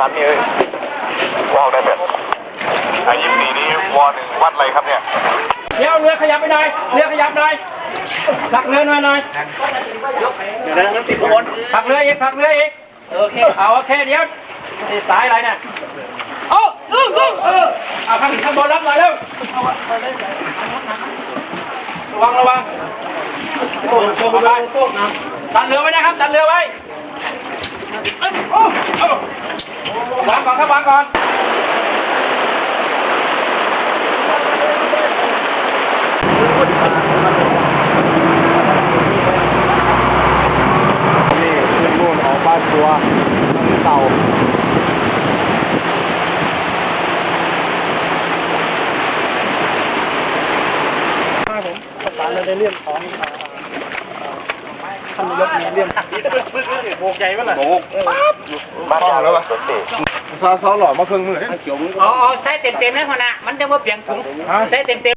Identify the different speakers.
Speaker 1: ตันนี่วอลได้แบบ24นี้วอ1วัดอะไรครับเนี่ย
Speaker 2: เดี๋ยวเรือขยับไปหน่อยเรือขยับหน่อยผลักเรือหน่อยเดี๋ยวนั้นติดบนผลักเรืออีกโอเคเอาโอเคเดี๋ยวสายอะไรเนี่ยเอาข้างบนรับหน่อยเร็วระวังโอ้โหไปดันเรือไว้นะครับดันเรือไว้วางก่อนครับวางก่อน
Speaker 3: นี่ขึ้นนู่นออกบ้านตัวเต่าผมประสานในเรื่องของท่านนายกมีเรื่องโบกใหญ่ไหมล่ะโบก
Speaker 1: บ้านยาวแล้วป่ะ
Speaker 3: ซาหล่อมาเพิ่งมือ
Speaker 2: อ๋อใส่เต็มๆนะพ่อนะมันจะมาเปลี่ยนถุงใส่เต็ม